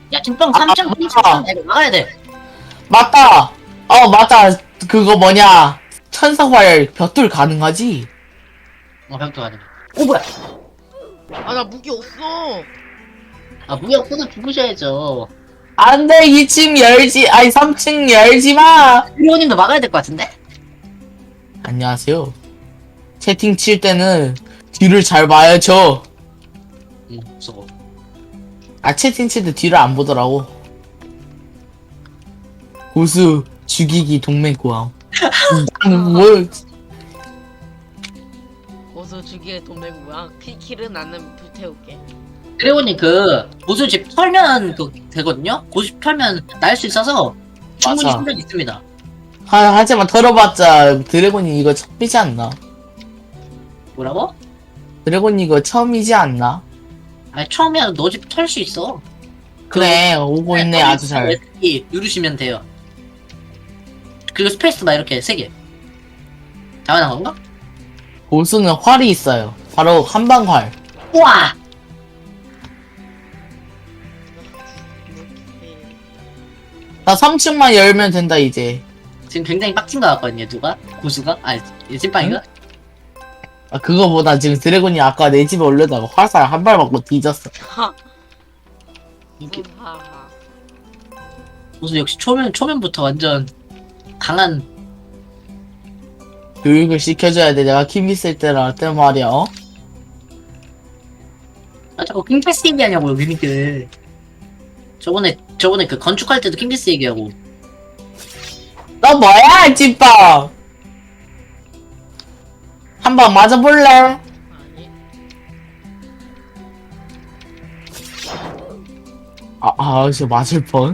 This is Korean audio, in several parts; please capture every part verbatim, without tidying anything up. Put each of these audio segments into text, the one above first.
야 찐빵 아, 삼 점 맞다. 이거 막아야 돼. 맞다. 어, 맞다. 그거 뭐냐. 천사활 벼tul 가능하지? 어 벽도 가야 돼. 오 뭐야? 아 나 무기 없어. 아 무기 없어도 죽으셔야죠. 안 돼, 이 층 열지, 아니, 삼 층 열지 마! 리오님도 막아야 될 것 같은데? 안녕하세요. 채팅 칠 때는 뒤를 잘 봐야죠. 응 무서워. 아, 채팅 칠 때 뒤를 안 보더라고. 고수, 죽이기, 동맹 구함. 나는 뭘, 고수 주기의 돈내고야. 피킬은 나는 불태울게. 드래곤이 그 고수집 털면 그 되거든요? 고수집 털면 날 수 있어서 충분히 맞아. 실력 있습니다. 하, 하지만 털어봤자 드래곤이 이거 처음이지 않나? 뭐라고? 드래곤이 이거 처음이지 않나? 아니 처음이야 너 집 털 수 있어. 그래, 오고 있네, 아주 잘. 에스키 누르시면 돼요. 그리고 스페이스바 이렇게 세 개. 당연한 건가? 고수는 활이 있어요. 바로 한방활. 우와! 나 삼 층만 열면 된다, 이제. 지금 굉장히 빡친 것 같거든요 누가? 고수가? 아니 찐빵이가? 아, 그거보다 지금 드래곤이 아까 내 집에 올려다가 화살 한 발 맞고 뒤졌어. 하. 이게 하하. 고수 역시 초면, 초면부터 완전 강한. 교육을 시켜줘야 돼. 내가 킴 있을 때라, 때 말이야, 어? 아 자꾸 킹패스 얘기하냐고요 그니까. 저번에 저번에 그 건축할 때도 킹패스 얘기하고. 너 뭐야, 찐빵! 한 방 맞아볼래? 아니. 아, 아, 진짜 맞을 뻔.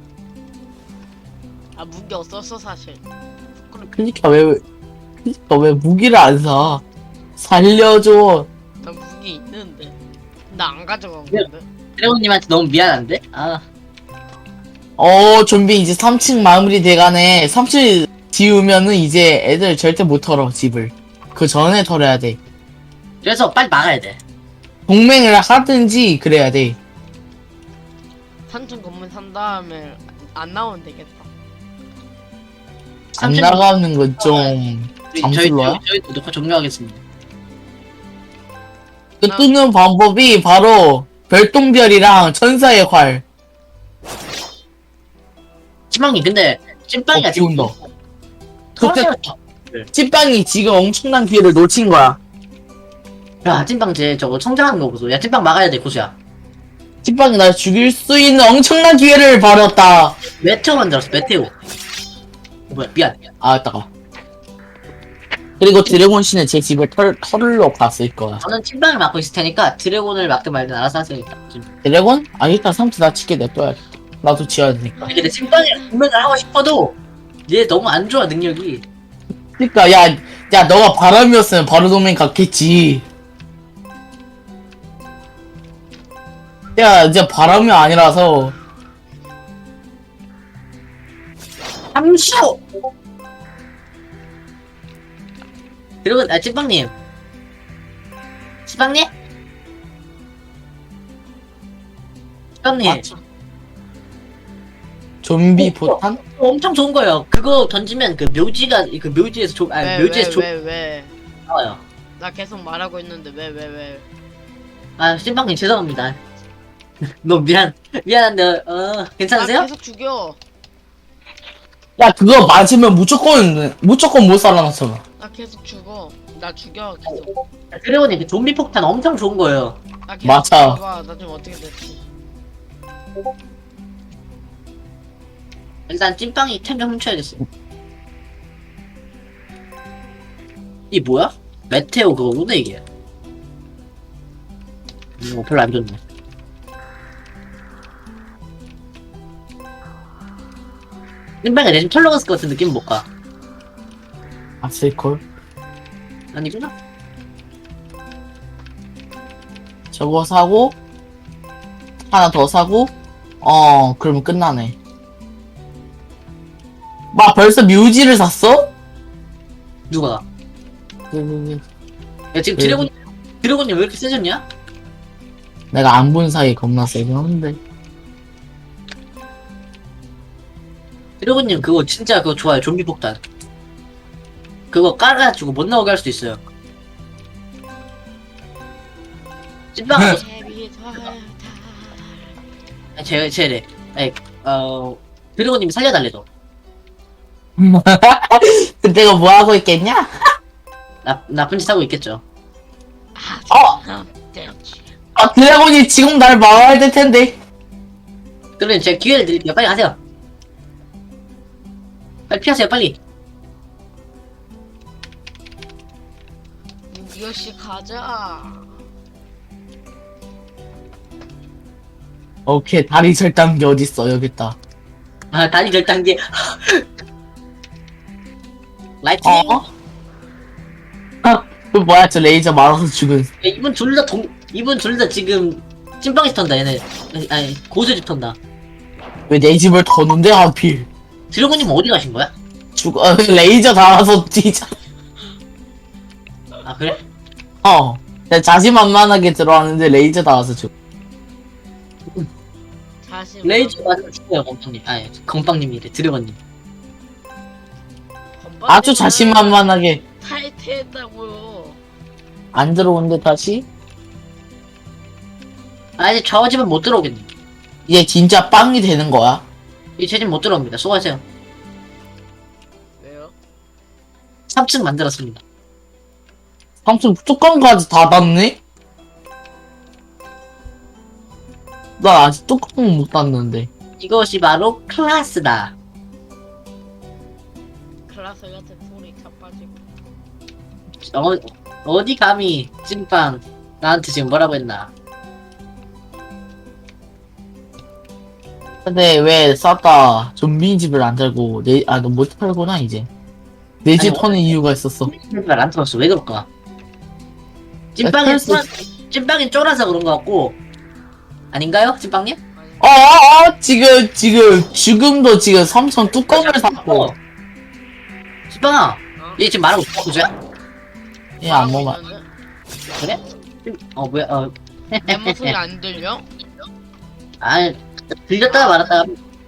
아 무기 없었어 사실. 그니까 왜, 그니까 왜 무기를 안 사? 살려줘. 나 무기 있는데. 나 안 가져간 네. 건데. 드래곤님한테 너무 미안한데? 아 어, 좀비 이제 삼 층 마무리 돼가네. 삼 층 지우면은 이제 애들 절대 못 털어, 집을. 그 전에 털어야 돼. 그래서 빨리 막아야 돼. 동맹을 하든지 그래야 돼. 삼층 건물 산 다음에 안 나오면 되겠다. 안 삼층 나가는 건 좀 우리 저희 잠슬로야? 저희 저희 녹화 종료하겠습니다. 그 뜨는 방법이 바로 별똥별이랑 천사의 활. 찐빵이 근데 찐빵이가 어, 지금 비운다. 털어서 찐빵이 지금 엄청난 기회를 놓친 거야. 야 찐빵 쟤 저거 성장하는 거 보소. 야 찐빵 막아야 돼 고수야. 찐빵이 날 죽일 수 있는 엄청난 기회를 버렸다. 메테오 만들었어 메테오. 어, 뭐야 미안. 아, 따가. 그리고 드래곤 씨는 제 집을 털, 털러 갔을 거야. 저는 찐빵을 막고 있을 테니까 드래곤을 막든 말든 알아서 하세요. 일단. 드래곤? 아, 일단 삼촌 나 치게 냅둬야겠다. 나도 지어야 되니까. 근데 찐빵이랑 동맹을 하고 싶어도 얘 너무 안 좋아 능력이. 그니까, 야, 야, 너가 바람이었으면 바로 도맹 갔겠지. 야, 이제 바람이 아니라서. 함수. 드래곤 아 찐빵님. 찐빵님? 찐빵님. 맞죠? 좀비 포탄? 엄청 좋은 거예요. 그거 던지면 그 묘지가 그 묘지에서 조, 아니 왜 묘지에서 왜 조 왜 왜? 나와요. 나 계속 말하고 있는데 왜 왜 왜? 아 찐빵님 죄송합니다. 너무 미안 미안한데 어 괜찮으세요? 나 계속 죽여. 야, 그거 맞으면 무조건, 무조건 못 살아났잖아. 나 계속 죽어. 나 죽여 계속. 드래곤이 그 좀비 폭탄 엄청 좋은 거예요. 나 계속 맞아. 죽여봐. 나 좀 어떻게 됐지? 일단 찐빵이 템 좀 훔쳐야겠어. 이 뭐야? 메테오 그거구나 이게. 이거 별로 안 좋네. 찐빵이 내 집 털러 갔을 것 같은 느낌은 못 가. 아슬콜? 아니구나. 저거 사고, 하나 더 사고, 어, 그러면 끝나네. 막 벌써 뮤지를 샀어? 누가? 그, 야 지금 네. 드래곤 드래곤이 왜 이렇게 세졌냐? 내가 안 본 사이에 겁나 세긴 한데. 드래곤님 그거 진짜 그거 좋아요. 좀비 폭탄. 그거 깔아가지고 못 나오게 할 수도 있어요. 찐빵 뭐, 아, 제 제래. 아니 어 드래곤님이 살려달래도. 그때가 뭐 하고 있겠냐? 나 나쁜 짓 하고 있겠죠. 어! 아, 드래곤이 지금 날 막아야 될 텐데. 그러면 제가 기회를 드릴게요. 빨리 가세요. 빨리 피하세요. 빨리. 유기씨 가자. 오케이, 다리 절단 게 어딨어, 여기 있다. 아 다리 결단계. 라이팅. 어? 아, 그 뭐야, 저 레이저 말아서 죽은. 이분 둘 다 동 이분 둘 다 지금 찐빵이 턴다 얘네. 아니, 아니 고수집 턴다. 왜 내 집을 터는데, 하필. 드래곤님 어디 가신 거야? 죽어, 어, 레이저 달아서 뛰자. 아 그래? 어. 내가 자신만만하게 들어왔는데 레이저 달아서 죽어. 다시 레이저 맞으면 죽어요 건빵님. 아니 건빵님이래 드래곤님. 아주 자신만만하게 탈퇴했다고요. 안 들어오는데 다시? 아 이제 저 집은 못 들어오겠네. 이제 진짜 빵이 되는 거야. 이제 제 집 못 들어옵니다. 수고하세요. 왜요? 삼 층 만들었습니다. 삼촌 뚜껑까지 닫았네? 나 아직 뚜껑 못 닫는데. 이것이 바로 클라스다. 클라스 같은 소리 자빠지고. 어, 어디 감히 찐빵 나한테 지금 뭐라고 했나? 근데 왜 쌌다 좀비 집을 안 달고 내, 아, 너 못 팔구나, 이제. 내 집 아니, 터는 이유가 있었어. 찐빵 안 들었어. 왜 그럴까? 찐빵이 그래서- 쫄- 찐빵이 쫄아서 그런 것 같고 아닌가요, 찐빵님? 아니, 어, 어, 어, 지금, 지금, 지금도 지금 삼촌 뚜껑을 닫고. 어. 찐빵아, 어? 얘 지금 말하고 있어, 그죠? 얘 안 먹어. 있는데? 그래? 찐- 어 뭐야? 어, 내 목소리 안 들려? 아 들렸다가 말았다가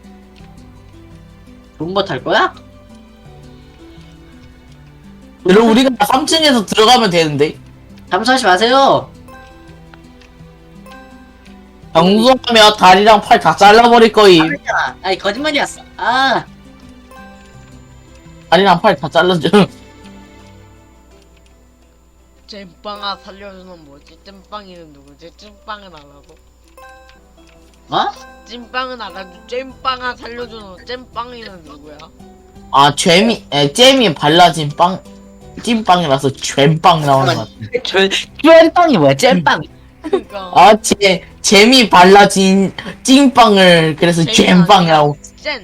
존버 탈 거야? 그리고 우리가 삼 층에서 들어가면 되는데. 잠수하지 마세요. 방송하면 다리랑 팔 다 잘라버릴 거임. 아니잖아. 아니 거짓말이었어. 아, 다리랑 팔 다 잘라줘. 잼빵아 살려주는 뭐지? 잼빵이는 누구지? 잼빵은 알아도. 어? 찐빵은 알아도 잼빵아 살려주는 잼빵이는 누구야? 아, 잼이, 에, 잼이 발라진 빵, 찐빵이라서 잼빵 나오는 것 같아. 저 찐빵이 뭐야? 찐빵. 그니까 아, 제, 잼이 발라진 찐빵을, 그래서 잼이 잼빵이라고. 잼!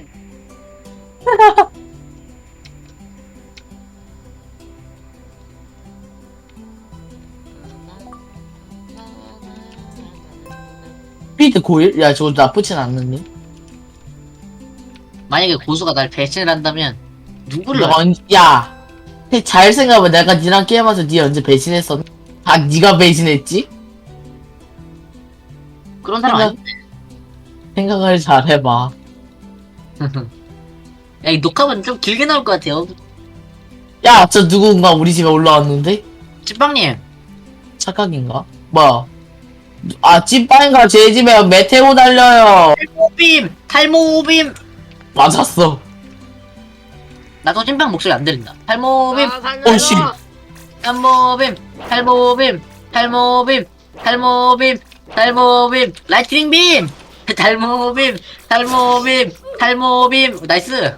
스피드 고일? 야, 저거 나쁘진 않는데. 만약에 고수가 날 배신을 한다면 누구를 너 언, 야, 잘 생각해봐. 내가 니랑 게임하면서 니 언제 배신했었? 아, 니가 배신했지? 그런 사람 아니? 생각을 잘 해봐. 야, 이 녹화만 좀 길게 나올 것 같아요. 야, 저 누군가 우리 집에 올라왔는데? 찐빵님, 착각인가? 뭐야? 아, 찐빵인가? 제 집에 메테오 달려요. 탈모빔, 탈모빔. 맞았어. 나도 찐빵 목소리 안 들린다. 탈모빔, 아 살려줘! 오, 씨. 탈모빔, 탈모빔, 탈모빔, 탈모빔, 탈모빔, 라이트닝 빔, 탈모빔, 탈모빔, 탈모빔. 나이스.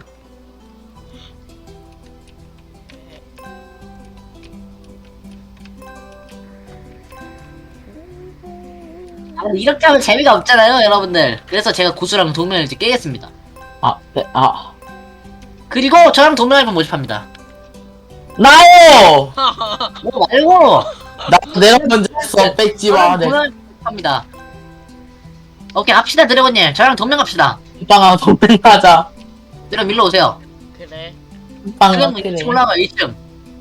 아, 이렇게 하면 재미가 없잖아요, 여러분들. 그래서 제가 고수랑 동맹을 이제 깨겠습니다. 아, 네, 아. 그리고 저랑 동맹할분 모집합니다. 나요! 뭐 말고 나, 내가 먼저 했어. 뺏지 마. 저랑 내 동맹 합니다. 오케이 합시다 드래곤님. 저랑 동맹합시다. 찐빵아, 동맹하자. 드래곤 일로 오세요. 그래 찐빵아, 드래곤 그래. 일 층 올라가 일 층.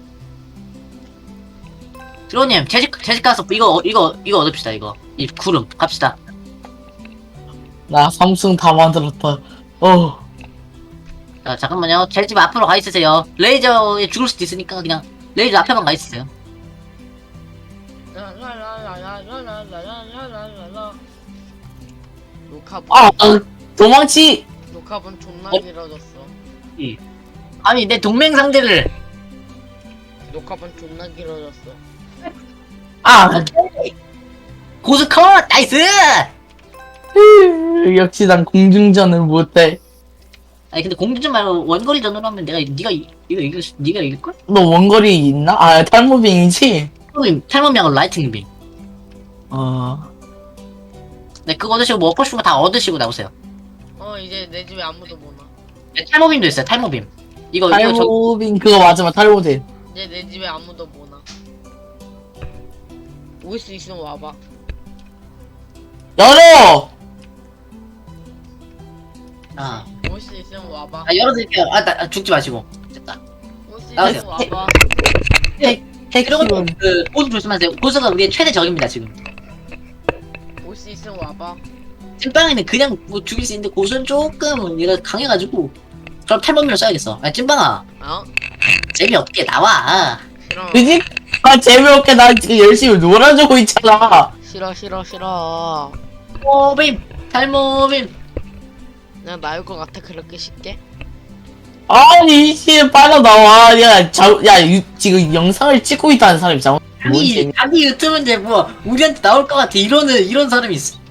드래곤님 제집 제집 가서 이거 이거 이거 얻읍시다 이거 이 구름 갑시다. 나 삼승 다 만들었다. 어. 자, 잠깐만요. 제 집 앞으로 가 있으세요. 레이저에 죽을 수도 있으니까 그냥 레이저 앞에만 가 있으세요. 라라라라라라라라라라라. 녹화본 아, 도망치! 녹화본 존나 어? 길어졌어. 아니, 내 동맹 상대를. 녹화본 존나 길어졌어. 아! 고스컷! 나이스! 역시 난 공중전을 못해. 아니, 근데 공주전 말고 원거리전으로 하면 내가, 니가, 이- 이거 이길, 수- 니가 이길걸? 너 원거리 있나? 아, 탈모빙이지? 탈모빔, 탈모빔하고 라이팅빔. 어. 네, 그거 얻으시고 뭐 얻고 싶은 거 다 얻으시고 나오세요. 어 이제 내 집에 아무도 못 와. 네, 탈모빔도 있어요, 탈모빔. 이거, 이거 저, 탈모빙 그거 맞으면 탈모돼. 이제 내 집에 아무도 못 와. 올 수 있으면 와봐. 열어! 아, 올 수 있으면 와봐. 아 열어드릴게요. 아, 나, 아, 죽지 마시고. 됐다. 올 수 아, 있으면 와봐. 그리고 택시원. 그, 고수 조심하세요. 고수가 우리의 최대 적입니다, 지금. 올 수 있으면 와봐. 찐빵이는 그냥 뭐 죽일 수 있는데 고수는 조금 얘가 강해가지고 그럼 탈모민을 써야겠어. 아 찐빵아 어? 재미없게 나와. 싫어. 그지? 아, 재미없게 나 지금 열심히 놀아주고 있잖아. 싫어 싫어 싫어. 탈모빔 탈모빔. 난 나올 것 같아 그렇게 쉽게? 아니, 씨, 빠져나와. 야, 자, 야, 유, 지금 영상을 찍고 있다는 사람이 잘못. 뭔 자기 재미- 자기 유튜브인데 뭐 우리한테 나올 것 같아 이러는 이런 사람이 있어.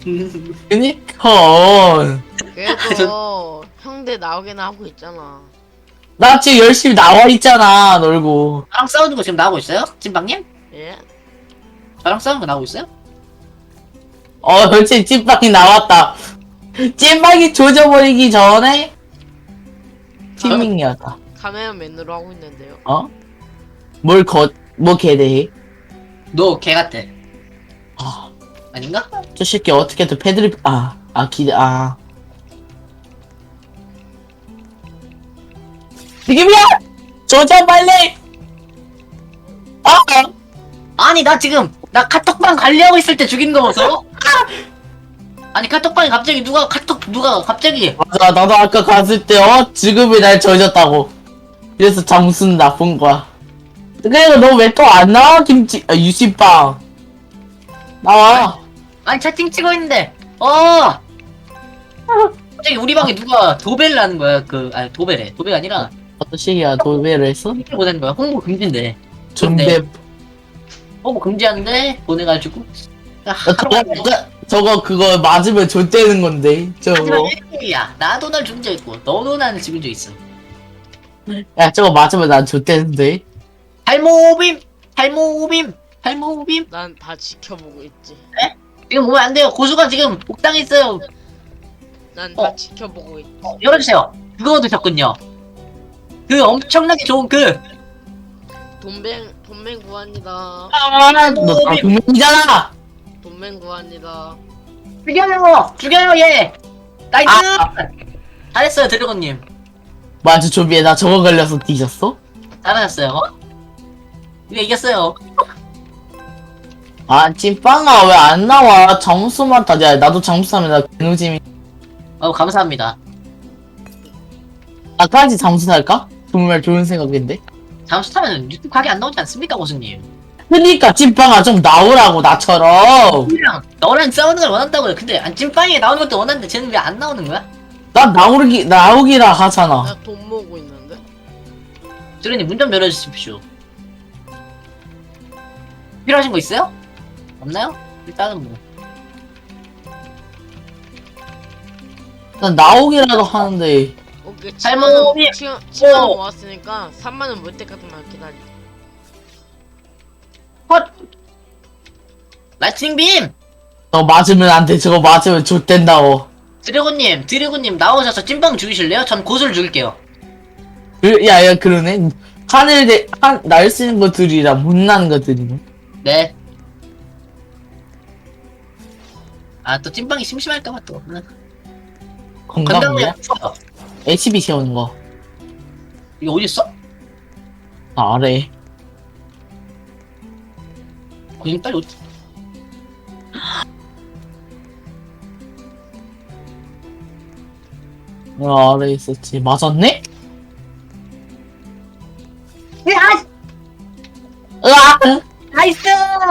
그니까. 그래도 형들 나오긴 하고 있잖아. 나 지금 열심히 나와 있잖아, 놀고. 저랑 싸우는 거 지금 나오고 있어요? 찐빵님? 예? 저랑 싸우는 거 나오고 있어요? 어, 그렇지, 찐빵이 나왔다. 찐빵이 조져버리기 전에 팀밍이었다. 카메라맨으로 하고 있는데요. 어? 뭘 거, 뭐 개대해? 너 개 같아. 아, 아닌가? 저 새끼 어떻게든 패드립, 아, 아, 기대, 아. 지금이야! 조져, 빨리! 아! 아니 나 지금 나 카톡방 관리하고 있을 때 죽인 거 보소? 아니 카톡방에 갑자기 누가 카톡 누가 갑자기 맞아, 나도 아까 갔을 때, 어? 지금이 날 조졌다고. 그래서 장순 나쁜 거야. 그리고 너 왜 또 안 나와, 김치, 아, 유씨빵. 나와. 아니 채팅 치고 있는데 어 갑자기 우리 방에 누가 도배를 하는 거야 그 아니 도배래 도배가 아니라 어떤 식이야, 도배를 했어? 홍보 보내는 거야 홍보 금지인데 존대. 홍보 금지하는데 보내가지고 어, 저거, 저, 저거, 그거 맞으면 좆되는 건데, 하지만 저거. 일이야 나도 날 죽인 적 있고 너도 나는 죽인 적 있어 야, 저거 맞으면 난 좆되는데. 탈모빔 탈모빔 탈모빔 난 다 지켜보고 있지. 지금 보면 안 돼요 고수가 지금 옥당했어요 난 다 어. 지켜보고 있지. 어, 열어주세요 그거 드셨군요 그 엄청나게 좋은 그 돈뱅 돈뱅 구합니다. 아, 너다 분명이잖아! 돈뱅 구합니다. 죽여요! 죽여요 얘! 나이스! 아. 잘했어요 드래곤님 맞아, 조비에 나 저거 걸려서 뒤졌어? 잘하셨어요 이거 이겼어요 아, 찐빵아, 왜 안 나와? 점수만 타. 야, 나도 점수 타면 나 개노잼이. 어 감사합니다 나까지 점수 탈까? 정말 좋은 생각인데? 잠수 타면 유튜브 각이 안 나오지 않습니까 고수님 그니까, 찐빵아, 좀 나오라고, 나처럼. 그냥 너랑 싸우는 걸 원한다고요 근데 안 찐빵이 나오는 것도 원하는데 쟤는 왜 안 나오는 거야? 나 나오기, 나오기라 하잖아. 나 돈 모으고 있는데. 드래곤님 문 좀 열어주십시오 필요하신 거 있어요? 없나요? 일단은 뭐 난 나오기라도 하는데. 오케이 잘못 칠만 원 칠만 원 어. 모았으니까 삼만 원 모을 때까지만 기다려. 헛! 라이트닝 빔! 너 맞으면 안 돼. 저거 맞으면 좆된다고. 드래곤님 드래곤님 나오셔서 찐빵 죽이실래요? 전 고수를 죽일게요 그, 야, 야, 그러네. 하늘 대, 한, 날 수 있는 것들이라 못 나는 것들이네. 네. 아, 또 찐빵이 심심할까봐 또. 건강이야? 건강이야. 좋아. 에이치비 세우는 거. 이거 어딨어? 아, 아래. 거기 빨리 어디? 아, 아래 있었지. 맞았네? 나이스!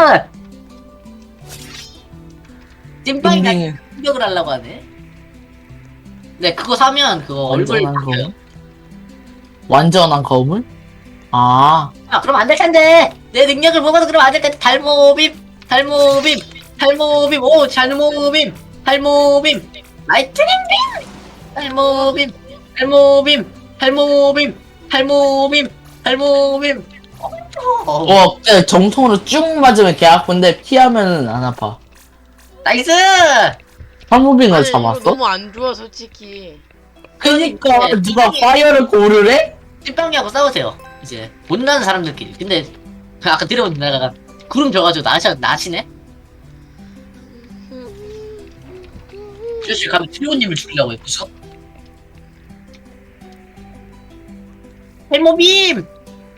찐빵이 나 빙빙. 공격을 하려고 하네. 네, 그거 사면 그거 얼굴 완전한 바뀌어요. 거울? 완전한 거울? 아, 아, 그럼 안 될 텐데. 내 능력을 보고도 그럼 안 될 텐데. 달모빔, 달모빔, 달모빔, 오, 달모빔, 달모빔, 라이트닝 빔, 달모빔, 달모빔, 달모빔, 달모빔, 달모빔. 어, 어, 그냥 정통으로 쭉 맞으면 개 아픈데 피하면은 안 아파. 나이스! 한무빙을 아니, 이거 잡았어? 너무 안 좋아 솔직히. 그니까 네. 누가 파이어를 고르래? 찐빵이하고 싸우세요. 이제 못나는 사람들끼리. 근데 아까 들어본 내가 구름 져가지고 나시 나시네. 주씨 가면 트리오님을 죽이려고 했어. 헬모빔.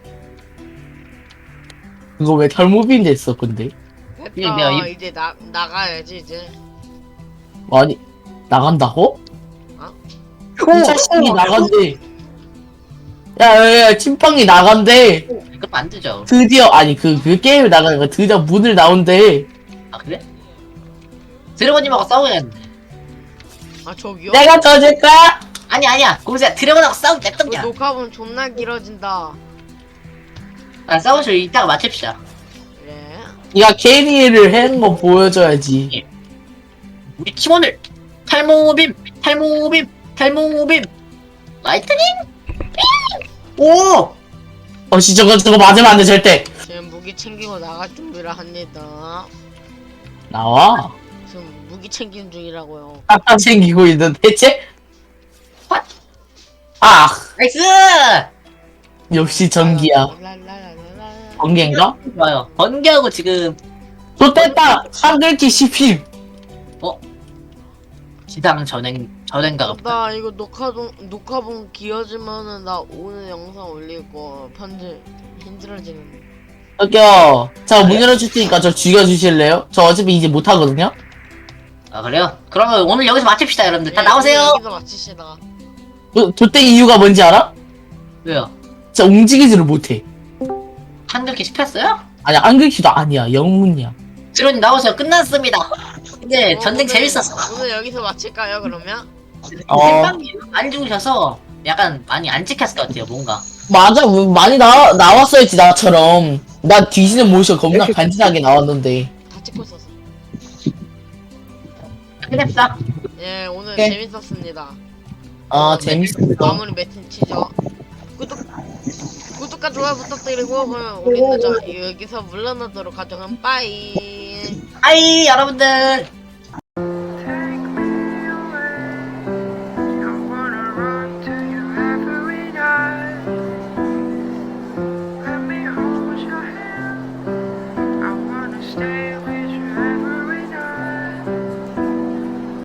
그거 왜 탈모빙 됐어 근데? 이게 됐다. 내가 이- 이제 나 나가야지 이제. 아니 나간다고? 어? 이 자식이 나간대. 야야야 찐빵이 나간대. 그럼 안 되죠. 드디어 아니 그 그 게임에 나가는 거 드디어 문을 나온대. 아 그래? 드래곤님하고 싸우겠는데. 아 저기요? 내가 져줄까? 아니 아니야. 공수야 드래곤하고 싸우기 이거 냅던냐. 녹화본 존나 길어진다. 아 싸우실 이따가 맞춥시다. 그래? 네가 캐리를 해는 거 보여줘야지. 우리 팀원을 탈모빔, 탈모빔, 탈모빔, 라이트닝. 오! 어씨 저거 저거 맞으면 안 돼 절대. 지금 무기 챙기고 나갈 준비를 합니다. 나와. 지금 무기 챙기는 중이라고요. 딱 챙기고 있는 대체? 팟! 아 나이스! 역시 전기야. 랄랄랄랄라. 번개인가? 좋아요. 번개하고 지금 좋됐다. 한글키 십힘. 기상 전행 전행가가 나 이거 녹화본 녹화본 길어지면은 나 오늘 영상 올릴 거 편집 힘들어지는데. 저기요. 자, 문 열어줄 테니까 저 죽여주실래요? 저 어차피 이제 못하거든요? 아 그래요? 그러면 오늘 여기서 마칩시다 여러분들. 다 예, 나오세요. 여기서 마치시다. 도, 도땡 이유가 뭔지 알아? 왜요? 진짜 움직이지를 못해. 한글키 씹혔어요? 아니야, 한글키도 아니야. 영문이야. 드론님 나오세요. 끝났습니다. 근데 어, 전쟁 오늘- 재밌었어. 오늘 여기서 마칠까요 그러면? 어. 생방이 안 죽으셔서 약간 많이 안 찍혔을 것 같아요. 뭔가. 맞아, 뭐 많이 나, 나왔어야지, 나처럼. 나 뒤지는 모션 겁나 간지나게 나왔는데. 다 찍고 있었어. 끝냅시다. 예 오늘 네. 재밌었습니다. 아, 재밌었어. 마무리 매트 치죠. 구독 구독과 좋아요 부탁드리고 그럼 우리는 저 여기서 물러나도록 하죠. 그럼 빠이. 아이 여러분들.